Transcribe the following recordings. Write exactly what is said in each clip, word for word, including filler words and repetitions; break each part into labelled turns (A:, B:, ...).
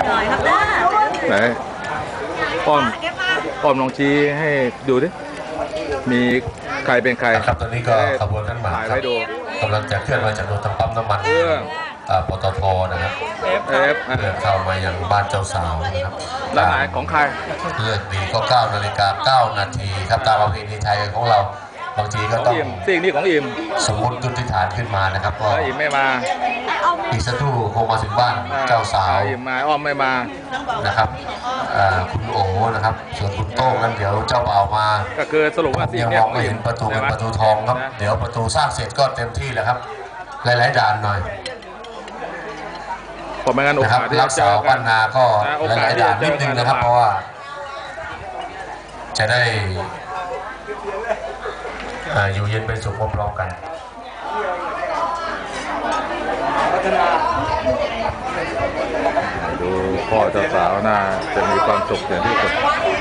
A: หน่อยครับนะ
B: ไหนป้อมป้อมลองชี้ให้ดูดิมีใครเป็นใคร
C: ครับตอนนี้ก็ขบวนขันหมากครับกำลังจะเคลื่อนมาจากโดนทางปั๊มน้ำมันปตทนะครับเอฟเดินเข้ามาอย่างบ้านเจ้าสาวนะครับ
B: ร้านไหนของใคร
C: เลือกดีก็เก้านาฬิกาเก้านาทีครับตามประเพณีไทยของเราบางทีก็ต้อง
B: สิ่งนี้ของอิม
C: สมมติจุดที่ฐานขึ้นมานะครับก็
B: อิมไม่มา
C: อีกสักครู่คงมาถึงบ้านเจ้าสาว
B: อิมมาอ้อมไม่มา
C: นะครับคุณโอ๋นะครับส่วนคุณโต้งนั้นเดี๋ยวเจ้าบ่าวมา
B: ก็คือสรุปว่าสิ่งนี้
C: มองไม่เห็นประตูเป็นประตูทองครับเดี๋ยวประตูสร้างเสร็จก็เต็มที่แล้วครับหลายๆด่านหน่อย
B: ผมไม่งั้นโอกาสที่
C: จะเจอบ้านนาก็หลายๆด่านนิดนึงนะครับเพราะว่าจะได้อยู่เย็นเป็นสุขพร้อมๆกัน
B: ดูพ่อเจ้าสาวน่าจะมีความสุขอย่างที่สุด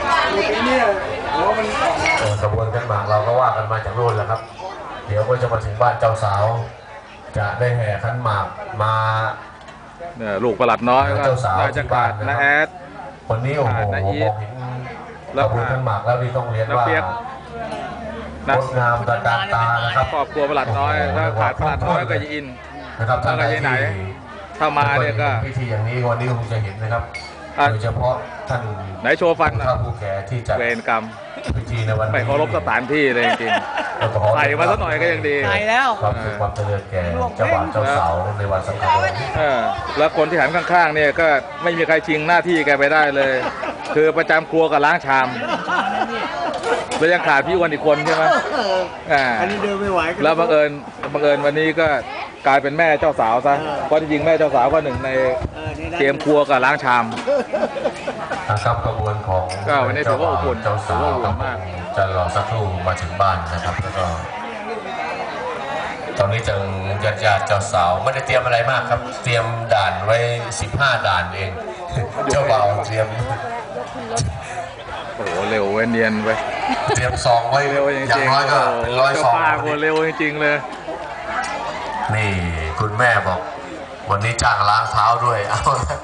C: ขบวนขันหมากเราก็ว่ากันมาจากโน่นแหละครับเดี๋ยวก็จะมาถึงบ้านเจ้าสาวจะได้แห่ขันหมากมา
B: เนี่ยลูกประหลัดน้อยก็น่าจะขาดนะแอด
C: คนนี้โอ้โหมองเห็นขบวนขันหมากแล้วนี่ต้องเรียนว่างดงามตระการตานะครับ
B: ครอบครัวประหลัดน้อยถ้าขาดประหลัดน้อยก็จะอิน
C: นะครับท่าน
B: ไหนถ้ามาเนี่ยก็
C: พิธีอย่างนี้วันนี้คงจะเห็นนะครับโดยเฉพาะท่าน
B: ไหนโชว์ฟัน
C: นะผู้แก่ที่จัด
B: เวรกรรม
C: พิธีในวันนี้
B: ไม่เคารพสถานที่เลยจริงๆใส่มาสักหน่อยก็ยังดี
A: ใส่แล้ว
C: ความสุขความเจริญแก่เจ้าบ่าวเจ้าสาวในวันสำคัญ
B: แล้วคนที่หันข้างๆเนี่ยก็ไม่มีใครชิงหน้าที่แกไปได้เลยคือประจำครัวกับล้างชามแล้วยังขาดพี่อ้วนอีกคนใช่ไหม
A: อันนี้เดินไม่ไหว
B: แล้วบังเอิญบังเอิญวันนี้ก็กลายเป็นแม่เจ้าสาวซะเพราะจริงๆแม่เจ้าสาวก็หนึ่งในเกมครัวกับล้างชาม
C: นะครับกระบวนของ
B: ก็วันนี้ถือว่าอบอุ่น
C: เจ้าสาวมากจะรอสักครู่มาถึงบ้านนะครับแล้วก็ตอนนี้จังญาติญาติเจ้าสาวไม่ได้เตรียมอะไรมากครับเตรียมด่านไว้สิบห้าด่านเองเจ้าบ่าวเตรียม
B: โอ้โหเร็วเว้นเนียนไป
C: เตรียมซองไว้อย่างน้อยก็เป็นร้อยซอง
B: เร็วจริงๆเลย
C: นี่คุณแม่บอกวันนี้จ้างล้างเท้าด้วยเอา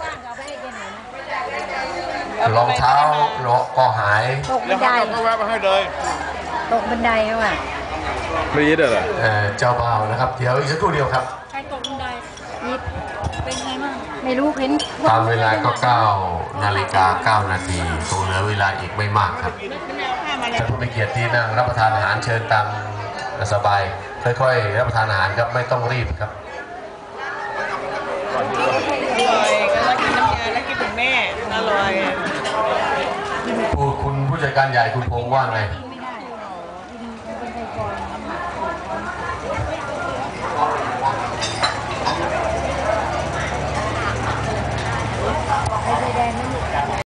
C: รองเท้าก็หาย
A: ตกบันได
B: ก็แวะมาให้เลย
A: ตกบันไดว่ะ
B: ไม่ยิดเหรอ
C: เจ้าบ่าวนะครับเดี๋ยวอีกสักครู่เดียวครับ
A: ใครตกบันไดยิดเป็นไงบ้างไม่รู้เห็น
C: ตามเวลาก็เก้านาฬิกาเก้านาทีคงเหลือเวลาอีกไม่มากครับท่านผู้มีเกียรติที่นั่งรับประทานอาหารเชิญตามสบายค่อยๆรับประทานอาหารครับไม่ต้องรีบครับ
A: อร่อยก็แล้วกินน้ำยาแล้วกินถึงแม่อร่อย
C: ผู้คุณผู้จัดการใหญ่คุณพงษ์ว่าไง